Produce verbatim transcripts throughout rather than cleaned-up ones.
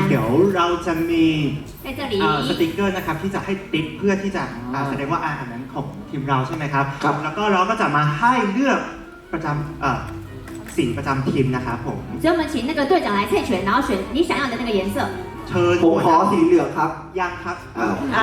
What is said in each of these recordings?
เดี๋ยวเราจะมี在这里สติ๊กเกอร์นะครับที่จะให้ติ๊กเพื่อที่จะแสดงว่าอันนั้นของทีมเราใช่ไหมครับแล้วก็เราก็จะมาให้เลือกประจำสีประจำทีมนะครับผม所以我们请那个队长来猜拳，然后选你想要的那个颜色。 เชิญผมขอสีเหลืองครับยังครับอ้าว啊，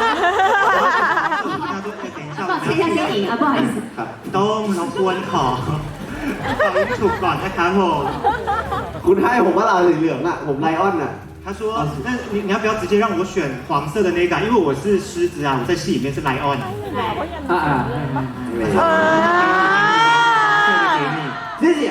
抱歉一下先赢啊，不好意思。 ครับต้องรบกวนขอขอให้ถูกก่อนนะครับผมคุณให้ผมว่าเราสีเหลืองอ่ะผมไลออนอ่ะ他说：“那你你要不要直接让我选黄色的那个？因为我是狮子啊，我在戏里面是莱昂。” 来， อ่าอ่า谢谢。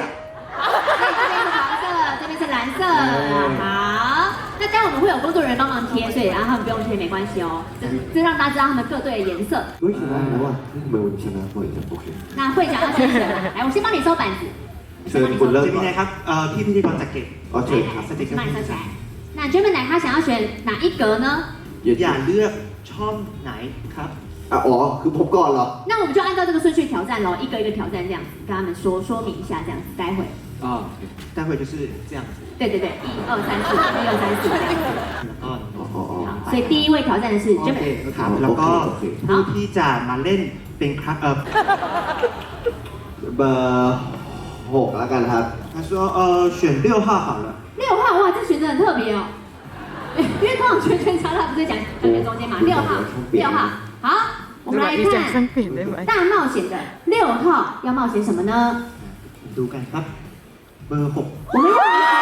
这边是黄色，这边是蓝色。好，那待会我们会有工作人员帮忙贴，所以然后他们不用贴没关系哦。这这让大家知道他们各队的颜色。 เฮ้ยชนะแล้วอ่ะทำไมวันชนะบ่อยจังโอเค那会长要先选，来，我先帮你收板子。 เชิญคุณเริ่มเจมิก่อนนายครับเอ่อพี่พิธีกรจักรเก็บอ๋อเชิญครับสติ๊กเกอ帮你ร์收起来。那 Gemini 他想要选哪一格呢？ อย่าเลือกช่องไหนครับอ่ะอ๋อคือผมก่อนเหรอ那我们就按照这个顺序挑战喽，一个一个挑战这样子，跟他们说说明一下这样子，待会。 อ๋อ待会就是这样子对对对，一二三四，一二三四这样子。 แล้วก็อ๋ออ๋ออ๋อ好，所以第一位挑战的是โอเค Gemini。 ครับแล้วก็ผู้ที่จะมาเล่นเป็นครับเออเบอร์หกแล้วกันครับ他说呃选六号好了六号哇，这选择很特别哦，因为通常圈圈叉叉不是讲分别中间嘛，六号，六号，好，我们来看大冒险的六号要冒险什么呢？ ดูกันครับเบอร์หก我们要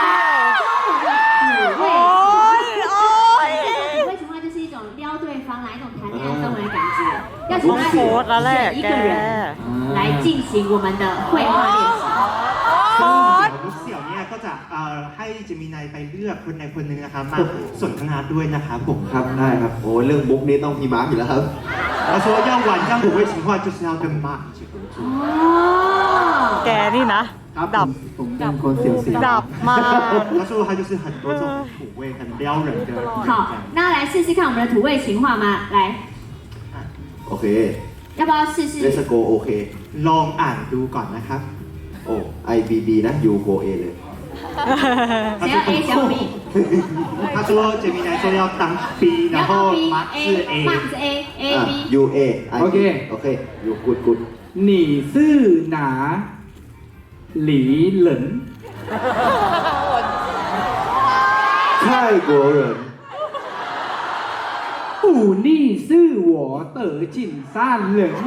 来中午的五位情话就是一种撩对方来一种谈恋爱氛围的感觉，要请他选一个人来进行我们的绘画练习。 มิสเสี่ยวเนี่ยก็จะเอ่อให้เจมินายไปเลือกคนใดคนหนึ่งนะครับมาสนทนาด้วยนะครับผมครับได้ครับโอ้เรื่องมุกนี้ต้องพี่มาร์คอยู่แล้วครับ他说要玩这样五位情话就是要跟妈一起合作哦， แกนี่นะ ดับผมเป็นคนเสียวเสียวดับมาก他说他就是很多这种土味很撩人的好，那来试试看我们的土味情话吗？来， โอเค要不要试试เลสโกโอเคลองอ่านดูก่อนนะครับโอ้ I B B นะ U Go A เลย谁要 A 谁要 B？ 他说杰米来说要当 B 然后你要当 B 马是 A A ，Mark 是 A A อ่ะ B。 U A โอเคโอเค U good good หนีซื่อหนา หลีเหลิน泰国人อู่นี่ซื่อหวอเต๋อจินซ่านเหลิน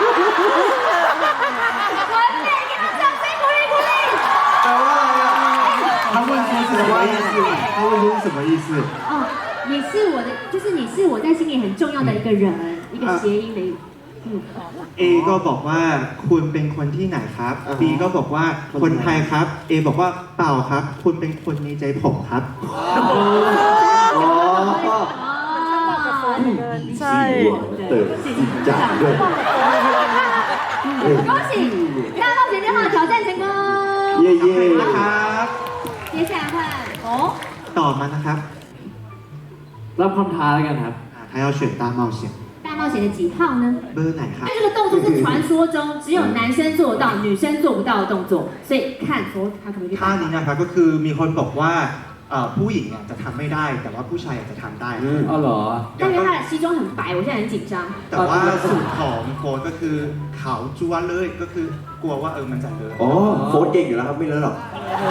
完美，给他掌声鼓励鼓励。 แปลว่าอะไรอ่ะ他问说是什么意思他问说是什么意思哦，你是我的，就是你是我在心里很重要的一个人，一个谐音的，嗯， A ก็บอกว่าคุณเป็นคนที่ไหนครับ B ก็บอกว่าคนไทยครับ A บอกว่าเปล่าครับ คุณเป็นคนในใจผมครับอ๋อ哦， ใช่เต๋อจินจ่าด้วย恭喜大冒险电话挑战成功。 เย่เย่นะครับ接下来换哦， ต่อมานะครับรับคำท้าแล้วกันครับอ่า他要选大冒险大冒险的几号呢？ เบอร์ไหนครับ这个动作是传说中只有男生做到、女生做不到的动作，所以看说他可不可以去ท่า办นี้到。 นะครับก็คือมีคนบอกว่าเอ่อผู้หญิงเนี่ยจะทำไม่ได้ แต่ว่าผู้ชายอาจจะทำได้อืมเอาเหรอ但因为他的西装很白，我现在很紧张。 แต่ว่าสูตรของโค้ดก็คือขาวจั๊วเลยก็คือกลัวว่าเออมันจะเลอะอ๋อโค้ดเก่งอยู่แล้วครับไม่เลอะหรอก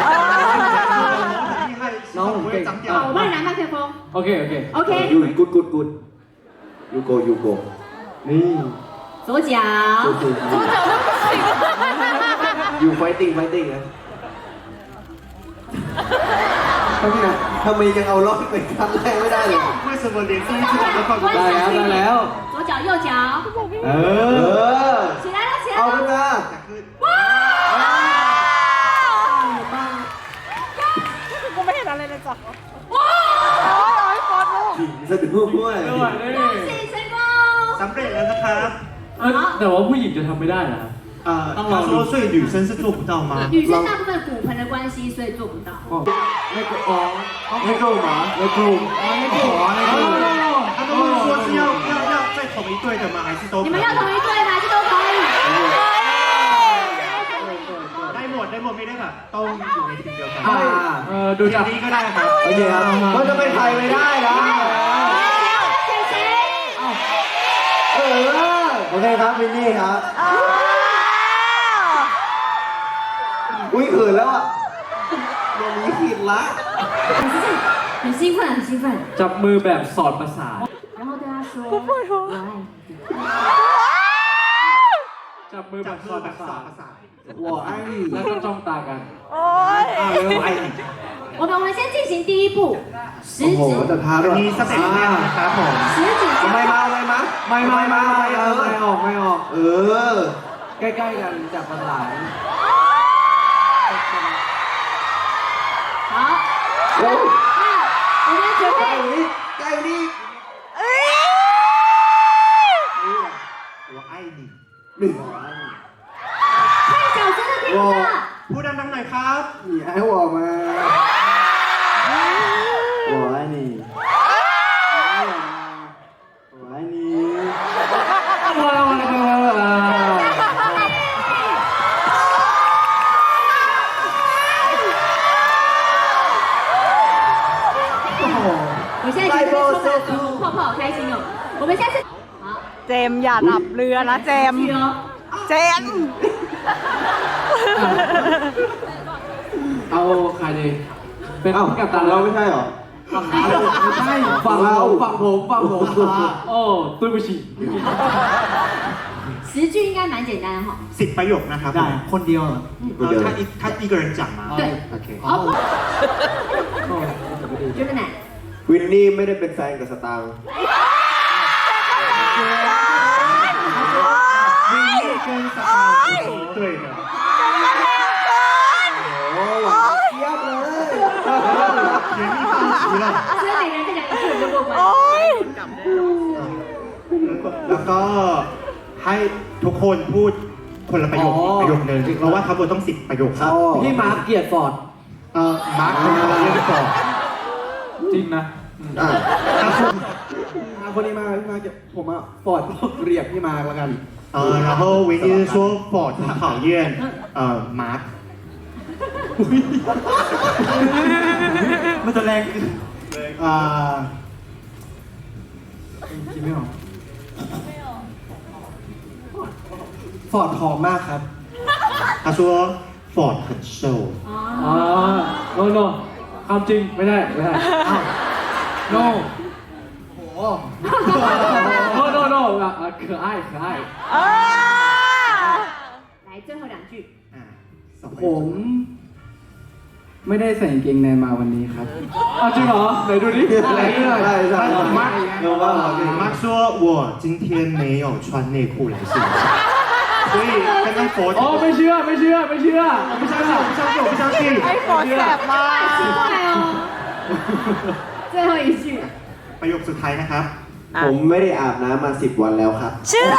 น้องผมเก่ง好，我帮你拿麦克风。 โอเค โอเค OK， ยูกูดกูดกูดยูโกยูโกนี่左脚。 ยูไฟติ้งไฟติ้งนะทำไมทำไมยังเอารอดไปครั้งแรกไม่ได้เลย为什么连第一次来都放不ได้แล้วได้แล้ว左脚右脚， เอเอออ起来了起来เอา了。 ขึ้นมากูไม่เห็นอะไรเลยจ้ะว้าวไอ้ฟอสลูกขิงซะด้วย恭喜成功。 สำเร็จแล้วนะครับเอ้ยแต่ว่าผู้หญิงจะทำไม่ได้นะเอ่อ他说所以女生是做不到吗女生大部分骨盆的关系，所以做不到。 ในกลุ่มในกลุ่มเหรอในกลุ่มในกลุ่มในกลุ่ม他都问说是要要要在同一队的吗还是都你们要同一队吗？还是都可以？ ได้หมดได้หมดไม่ได้แบบต้องอยู่ในทีมเดียวกันอ่าเออดูจากนี้ก็ได้ครับโอเคครับเราจะไปรไม่ได้นะ选谁？ เออโอเคครับวินนี่ครับอุ้ยเขินแล้วอ่ะวันนี้ผิดละ很兴奋，很兴奋。 จับมือแบบสอดประสาท然后对他说：“我爱你。 จับมือแบบสอดประสาท我爱你แล้วก็จ้องตากันโอ้ยอ่าเริ่มไอ้นี่我们我们先进行第一步，食โอ้โห指จะท้าด้วยมีสเต็ปแรกนะครับผม食指ไม่交มา叉。 ไม่มาไม่ไม่ไม่ไม่เออไม่ออกไม่ออกเออใกล้ๆกันจับประสาน好， โอ้ย那我们准ใกล้备นี้ใกล้นี้หัวไอ้นี่หนึ่ง太小声的听不到。 พูดดังๆหน่อยครับ你爱我吗我爱你我爱你พอแล้วพอแล้วพอแล้ว我现在觉得充满粉红泡泡，好开心哦！我们下次好， เจมส์อย่าดับเรือนะเจมส์去哦。 เจมส์เอาใครดีเป็นเอ้ากับฝั่ตางเราเราไม่ใช่เหรอไม่ใช่ฝั่งเราฝั่งผมฝั่งผมโอ้对不起十句应该蛮简单的哈。 สิบประโยคนะครับได้คนเดียวเออถ้าอีกถ้าอีก人讲มา对โอเค好，这么难。 วินนี่ไม่ได้เป็นแฟนกับสตางค์วินนี่跟สตาร์不是对的โอ้หวานเทียบเลย原地放弃了所以每个人再讲一句我们就过关。 โอ้ยแล้วก็ให้ทุกคนพูดคนละประโยคอีกประโยคนึงเพราะว่าทั้งหมดต้องสิบประโยคครับพี่มาร์คเกียรติฟอร์ดเออมาร์คคนละเรื่องก่อนจริงนะอ่ะคนนี้มาพี่มาร์คผมอะฟอร์ดเรียกพี่มาร์คแล้วกัน呃，然后维尼说 Ford 很讨厌呃 Mark， มันจะแรงอ่าคิดไม่ออกฟอร์ดหอมมากครับ他说 Ford 很瘦， อ๋อ no no ความจริงไม่ได้ไม่ได้อ้าว no โอ้ no no no อ่ะ可爱可爱เออ来，最后两句。 อ่าสองประผโยคม ไม่ได้ใส่กางเกงในมาวันนี้ครับอ้าวจริงเหรอไหนดูดิไหนดูหน่อยใช่ใช่มาร์คเดี๋ยวว่าเราจะ马说我今天没有穿内裤来现场，所以刚刚 Ford อ๋อไม่เชื่อไม่เชื่อไม่เชื่อไม่ใช่หรอก不相信我不相信ไอ้ฟอร์ดแสบมาก奇怪哦。最后一句， ประโยคสุดท้ายนะครับผมไม่ได้อาบน้ำมาสิบวันแล้วครับเชื่อ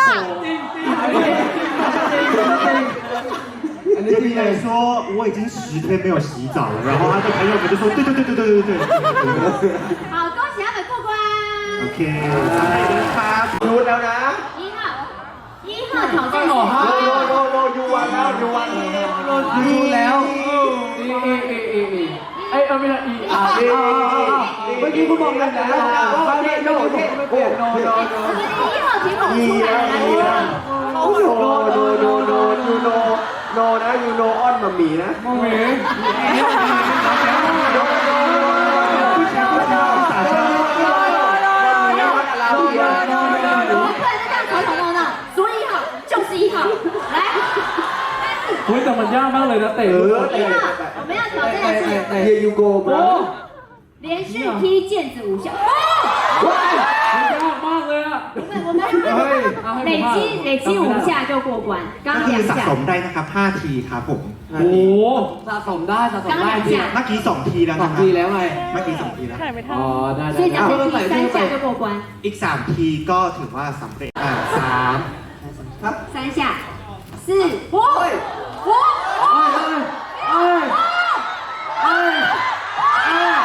อันนี้这จริง边เลย人说我已经十天没有洗澡了，然后他的朋友们就说对对对对对对对对。 好，恭喜他们过关。 OK，再来一个ครับยูแล้วนะ一号，一号挑战是โนโนโนโนยูวันแล้วยูวันดูแล้วเอเอเอเอเอไอยเอาไม่ได้อีอาร์เอเมื่อกี้คุณบอกกันแล้วไม่ไม่โนไม่เปลี่ยนโนโนโน我们的一号题目出来了，来， โนโนโนโนโนยูโนโนนะยูโนออนมามีนะมองเห็นโนโนผู้ชายผู้ชายสาวแล้ววัดอะไรอ่ะ我们不能再这样吵吵闹闹，所以一号就是一号，来， เฮ้ยแต่มันยากมากเลยนะเตะเออ一号，我们要挑战的是เฮียยูโกมาโอ้连续踢毽子五下， มันยากมากเลยอ่ะ我们我们累积累积五下就过关， ก็刚คือ两สะส下ม，ได้นะครับห้าทีครับผมโอ้โหสะสมได้สะสม刚ได้两จริง下， เมื่อกี้สองทีแล้วสอนะงครัทีบแล้วไงเมื่อกี้สองทีแล้วถ่ายไม่ทันอ๋อได้所以ได้讲是踢三下就过关， อีกสามทีก็ถือว่าสำเร็จอ่าสาม三下，四，五，五， เอ้ยเอ้ยเอ้ย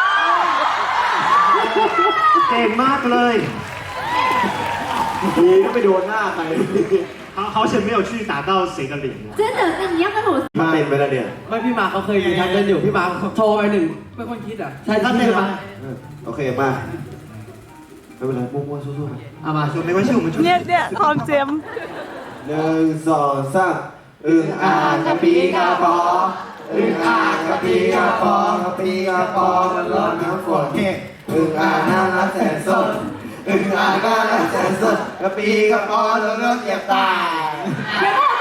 เก่งมากเลยดีก็ไปโดนหน้าใคร好好险没有去打到谁的脸真的，那你要跟我มาเป็นไปแล้วเนี่ยไม่พี่มาเขาเคยมีทางเดินอยู่พี่มาโทรไปหนึ่งเป็นคนคิดอ่ะใช่他ใช่对ไหม吗？ โอเคมาไม่เป็นไรมั่วๆสู้ๆครับเอามา就没关系，我们就เนี่ยเนี่ยทองเจมหนึ่งสองสามอึ่งอ่างกระปีกระปออึ่งอ่างกระปีกระปอกระปีกระปอมันร้อนน้ำฝนอึ่งอ่างน่ารักแสนสดอึ่งอ่างน่ารักแสนสดกระปีกระปอแล้วก็เจ็บตาย别忘了